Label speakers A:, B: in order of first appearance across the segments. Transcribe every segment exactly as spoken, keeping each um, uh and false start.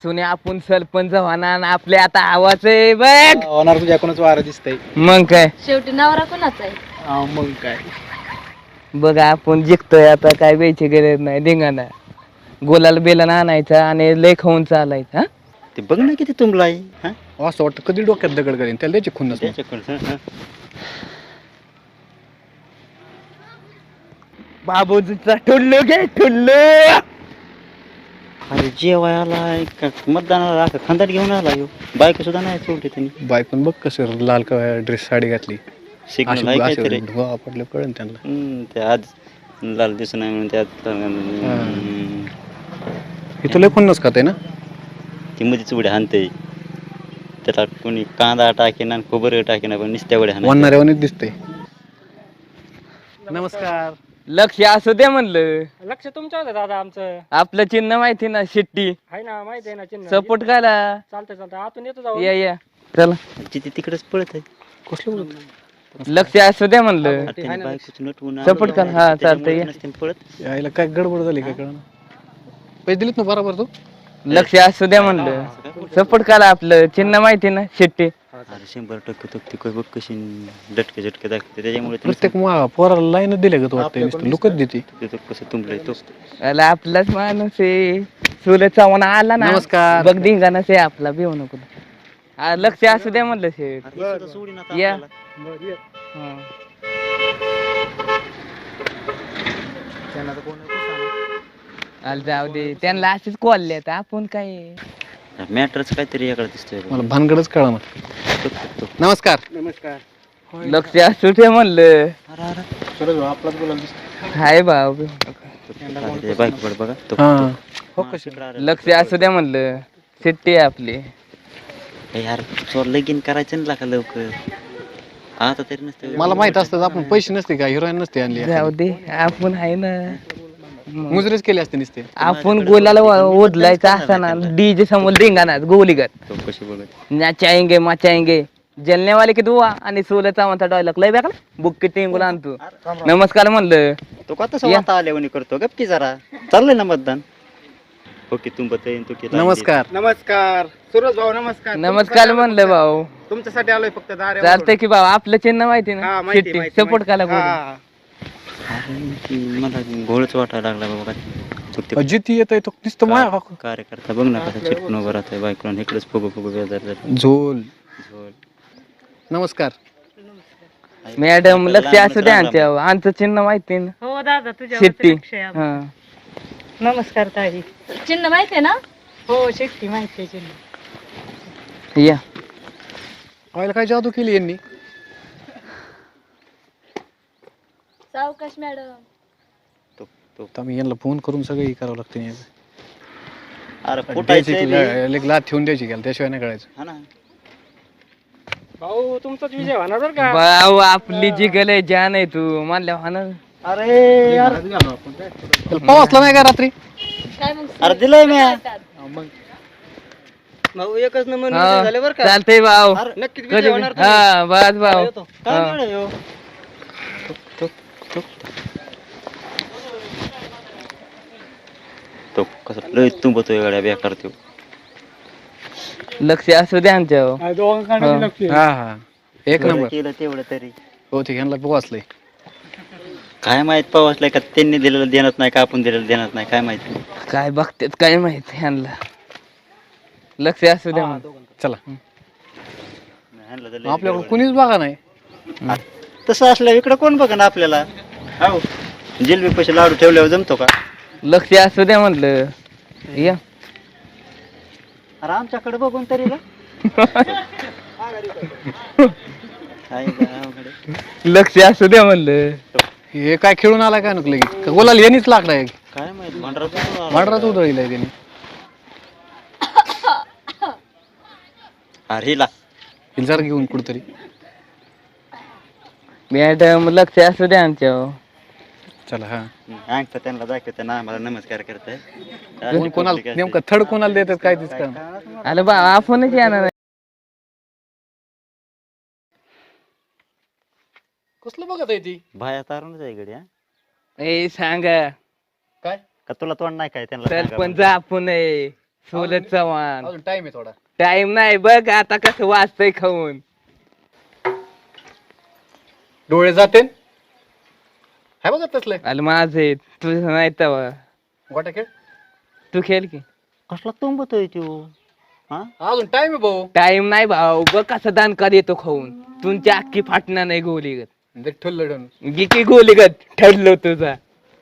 A: सुने आपण सरपंच होणार आपले आता आवाज आहे बघ
B: होणार तुझ्या कोणाच वारं दिसतंय.
A: मग काय
C: शेवटी नवरा कोणाचा आहे?
B: हा, मग काय
A: बघा आपण जिंकतोय आता काय द्यायची गरज नाही धिंगाणा गोलाला बेला आणायचा आणि लय खाऊन चालायचा हा?
D: ते बघ ना किती तुंबला आहे हा?
B: असं वाटतं कधी डोक्यात दगड करेन त्याला द्यायची खुन्नस मग.
D: त्याच्याकडं, हं, हं.
A: बाबूजीचा ठुल्लू घे ठुल्लू
D: अरे जेवायला का मतदानाला का खंदाट घेऊन आला ह्यो. बायको सुद्धा नाही सोडली त्यांनी.
B: बायकोन बघ कसं लाल ड्रेस साडी घातली
D: सिग्नल आहे काहीतरी.
B: धुवा पडलं कळन त्यांना.
D: हम्म, ते आज लाल दिसत नाही म्हणून त्यात हम्म,
B: इथं लय खुन्नस खाते ना.
D: ती मध्येच उड्या हाणते त्याला कोणी कांदा टाकेना आणि खोबरं टाकेना पण नुसत्या उड्या हाणायच्या.
B: वनणाऱ्यावानीच दिसतंय. नमस्कार.
A: लक्ष असू दे म्हणलं
E: लक्ष तुमचं होतं दादा आमचं.
A: आपलं चिन्ह माहिती ना शिट्टी
E: आहे ना, माहिती आहे ना चिन्ह.
A: सपोर्ट करा
E: चालतंय चालतंय आतून येतो जाऊ.
A: या या चला
D: जिथे तिकडेच पळत आहे.
B: कसलं बोलत
A: लक्ष असू दे म्हणलं
D: अरे त्याने बायकोचं नटवून
A: Support कर, हा, चालतंय.
D: त्याच्यामुळे नसते पळत.
B: यायला काय गडबड झाली काय कळण. पैसे दिलेत ना बरोबर तू.
A: लक्ष असू द्या म्हणलं सपोर्ट करा आपलं चिन्ह माहिती ना शिट्टी
D: अरे शंभर टक्के तो ती बघ कशी डटके झटके दाखवते त्याच्यामुळे ते
B: प्रत्येक मा- पोराला लाईन दिले का तू वाटतंय नुसतं लुकत देते.
D: नुसतं ते कसं तुंबलंय तो.
A: अला आपलाच माणूस आहे सुरज चव्हाण आला ना
B: नमस्कार.
A: बघ धिंगाणा से आपला भिवू नको आ, लक्ष असू द्या म्हणलं शेठ
D: अरे हे सुद्धा सोडीन आता
A: या.
D: आपल्याला.
A: हं. आला जाऊ दे त्यांना असेच कॉल आता आपण काय
D: मॅटरच काहीतरी याकडे दिसतोय बघ.
B: मला भानगडच कळा ना.
D: तो- तो-
B: नमस्कार.
E: नमस्कार.
A: लक्ष असू दे म्हणलं
D: अरे, अरे.
B: सरळ आपलाच बोलायला दिसतंय.
A: हाय भाऊ
D: अरे, ते बायकोकडे बघा तो-
B: हा.
D: तो- हा, तिकडं अरे.
A: लक्ष असू द्या म्हणलं शिट्टी आहे आपली
D: हे यार चोर लगीन करायचं ना का लवकर आता तरी नसते.
B: मला माहित असतं आपण पैसे नसते का हिरोईन नसते आणली
A: जाऊ दे आपण आहे ना
B: मुजरेच केले असते नसते.
A: आपण गोलाला ओढलायचा असा ना डीजे समोर धिंगाणा गोलीगत
D: तो कशी बघत
A: नाचाएंगे मचाएंगे जलने वाले की दुआ आणि सोल्याचा म्हणता डायलॉग लय बेकार बुक टिंगूला आणतो नमस्कार म्हणलं
D: तो का तसं आता आल्यावर करतो गप की जरा चाललंय ना मतदान. ओके तुंबत आहे तो केला.
B: नमस्कार.
E: नमस्कार सूरज भाऊ. नमस्कार.
A: नमस्कार म्हणलं भाऊ
E: तुमच्यासाठी आलोय फक्त दारे.
A: चालतंय की भाऊ आपलं चिन्ह माहिती
E: हा,
A: ना
E: माहिती,
A: शिट्टी
E: माहिती,
A: सपोर्ट करा
E: माहिती.
A: बोलून.
E: हा.
D: अरे, ती मला घोळच वाटायला लागला बाबा. चुकते
B: जिथे येतोय तो नुसतं माया
D: कार्यकर्ता बघ ना कसा चिटकून उभं राहतोय बायकोला इकडेच फुगू फुगू बेजार झालं.
B: झोल.
D: झोल.
B: नमस्कार.
A: मॅडम लक्ष असू द्या आमच्या आमचं चिन्ह माहिती ना
F: हो दादा तुझ्या
A: शिट्टी
F: नमस्कार
A: हा
F: नमस्कार ताई.
C: चिन्ह माहिती आहे ना?
F: हो शिट्टी माहिती आहे चिन्ह.
A: या
B: व्हायला काय जादू केली यांनी.
C: सावकाश मॅडम.
D: तो तो
B: आता मी यांना फोन करून सगळं हे करावं लागतं नाही.
D: अरे
B: द्यायची
D: फुटायचंय
B: की
D: बे.
B: ला- एक लाथ ठेवून द्यायची घ्याल त्याशिवाय नाही कळायचं.
D: हा ना.
E: भाऊ तुमचाच विजय होणार बरं का.
A: भाऊ आपली जी गले जान आहे तू मानल्या होणार
D: अरे यार
B: त्याला पावसला नाही का रात्री.
C: काय मग?
D: अरे दिलंय मी.
E: भाऊ एकच नंबर
A: हा,
E: झाले बरं का.
A: चालतंय भाऊ
E: नक्कीच
A: कधी
E: विजय होणार तुम्ही.
A: हा बस भाऊ
D: काय
A: हा.
D: मिळालं ह्यो? तो तो तो कसं लय तुंबतोय गाड्या बेकार तो.
A: लक्ष असू द्या आमच्या
E: हा, दोघांकडे
A: हा.
E: लक्ष आहे.
B: हा हा एक
D: बरं
B: नंबर.
D: केलं तेवढं तरी.
B: हो ते यांना पोवासलंय.
D: काय माहित पावसलाय का त्यांनी दिलेलं देणार नाही का आपण दिलेलं देणार नाही काय माहिती.
A: काय बघतात काय माहित ह्यांना लक्ष असू द्या म्हणून.
B: चला
D: ह्यांना तर लय
B: आपल्याकडे
D: गडबड.
B: कुणीच बघा नाही.
D: तसं असलं इकडं कोण बघ ना आपल्याला. हो जिलबी पैसे लाडू ठेवल्यावर जमतो का.
A: लक्ष असू द्या म्हणलं या
D: अरे आमच्याकडे बघून तरी ना. काय बा, अवघड आहे.
A: लक्ष असू द्या म्हणलं
B: हे काय खेळून आला काय नको लगेच गोलाला यांनीच लागलाय.
D: काय माहित भांडरात
B: भांडरात उधळीलाय त्याने.
D: अरे हिला
B: जरा घेऊन कुठतरी.
A: मॅडम लक्ष असू द्या आमच्या
B: चला हा.
D: अंगठा त्यांना दाखवते ना आम्हाला नमस्कार करताय.
B: कोण कोणाला नेमकं थर्ड कोणाला देतात काय तेच का.
A: अरे बा आपणच येणार
B: कसलं बघत आहे ती.
D: भाया तारूनच आहे गड्या.
A: ए सांगा
B: काय
D: का तुला तोंड नाही काय त्यांना सांगा
A: सरपंच
D: बरं.
A: आपण आहे सोलत चव्हाण
B: अजून टाइम आहे थोडा.
A: टाइम नाही बघ आता कसं वाचतंय खाऊन.
B: डोळे जाते हाय बघा तसले
A: आलं माझे तुझं नाही तवा
B: गोट्या खेळ.
A: तू खेळ की.
D: कसला तुंबतोय तो हा
B: अजून टाइम आहे भाऊ.
A: टाइम नाही भाऊ बघ कसं दानका देतो खाऊन. तुमची अख्खी फाटणार नाही गोली गत.
B: देख ठुल्ल ठेवून.
A: गिकी गोली गत ठरलो तुझा.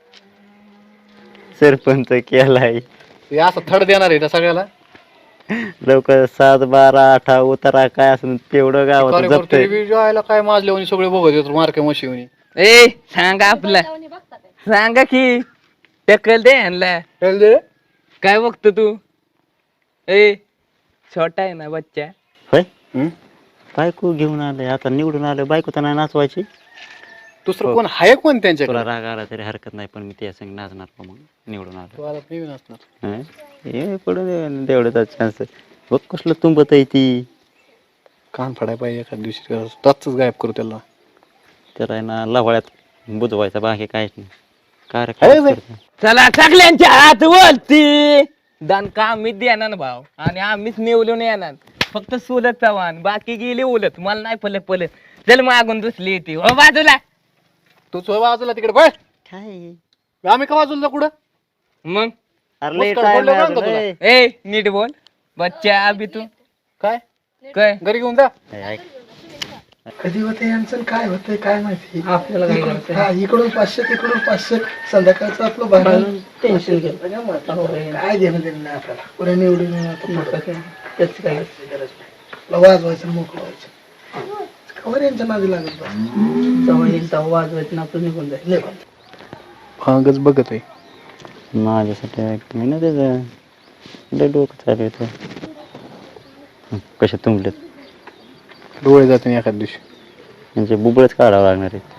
D: सरपंच केलाय
B: ते असं थड देणार आहे त्या सगळ्याला.
D: लोक सात बारा अठरा उतारा काय असं तेवढं गावात जपतंय.
B: जायला काय माजले सगळे बघत येतो मार्के मशी.
A: ए सांगा आपला
C: जाऊन बघता काय?
A: सांगा की टक्कल दे ह्यांना. काय बघतो तू. ए छोटा आहे ना बच्चा.
D: होय बायको घेऊन आले आता निवडून आलं बायको तर नाही नाचवायची.
B: दुसरं कोण आहे कोण त्यांच्याकडे.
D: तुला राग आला तरी हरकत नाही पण मी त्या संग नाचणार का मग निवडून आलं.
B: तू आता नवीन असणार.
D: हं? हे पडून तेवढं चान्स बघ कसलं तुंबत आहे ती.
B: कान फाडाय पाहिजे एखाद दिवशी तसंच गायब करू त्याला.
D: त्याला आहे ना लवाळ्यात बुजवायचा बाकी काहीच नाही
B: आहे
D: कार्यक्रम
B: बाई.
D: करतो.
A: चला सगळ्यांच्या हात वरती. दानका आम्हीच देणार भाऊ आणि आम्हीच निवडून येणार. फक्त सोलत चव्हाण बाकी गेली उलट मला नाही पलत पलत. चल मागून दुसरी येते हो बाजूला.
B: तू सोय बाजूला तिकडे बघ.
D: काय
B: आम्ही का बाजूला कुठं.
A: मग
D: अरे लय
B: मुस्कान
D: time
B: पडलं
D: आहे
B: बरं का
D: अजून,
B: तुला?
D: ए.
A: ए नीट बोल बच्चा अभि तू
B: काय
A: काय
B: घरी घेऊन जा.
D: ए, ऐक.
G: कधी होते यांचं काय होतंय काय माहिती.
F: आपल्याला काय
G: इकडून-
F: करायचंय?
G: हा, इकडून पाचशे तिकडून पाचशे संध्याकाळचं आपलं भाडं
F: टेन्शन घेत
G: काय देणं देणं नाही आपल्याला पुढे निवडून येणं आता पुढं.
F: त्याच काय
G: गरज नाही. आपलं वाजवायचं मोकळं व्हायचं. कवर यांच्या नादी लागत बस.
F: जवळ येईल तेव्हा वाजवायचं ना आपलं निघून जाईल.
G: निघून.
B: भांगच बघत आहे.
D: माझ्यासाठी ऐक मी ना त्याचं लय डोकं चालू होतं. कसे तुंबलेत
B: डोळे जाते एखाद दिवशी.
D: म्हणजे बुबळच काढावं लागणार आहे.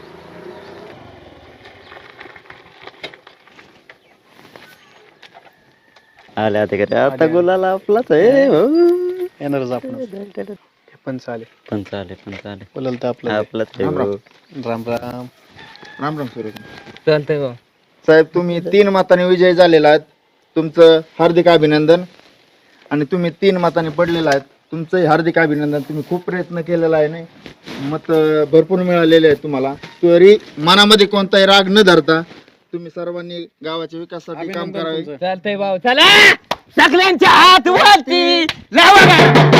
D: आले आता का आता गुलाला आपलाच आहे हो.
B: येणारच आपण. हे पण चालेल.
D: पण चालेल पण चालेल
B: बोलाल तर आपलं
D: आपलाच आहे
E: राम राम.
D: हो.
B: राम राम.
E: राम राम सूर्य
A: चालतंय भाऊ.
E: साहेब तुम्ही तीन मताने विजय झालेला आहात. तुमचं हार्दिक अभिनंदन. आणि तुम्ही तीन मताने पडलेला आहेत तुमचंही हार्दिक अभिनंदन. तुम्ही खूप प्रयत्न केलेला आहे नाही मत भरपूर मिळालेले आहेत तुम्हाला. तरी मनामध्ये कोणताही राग न धरता तुम्ही सर्वांनी गावाच्या विकासासाठी काम करावे.
A: चालतंय भाऊ चला सगळ्यांच्या हात वरती लावा.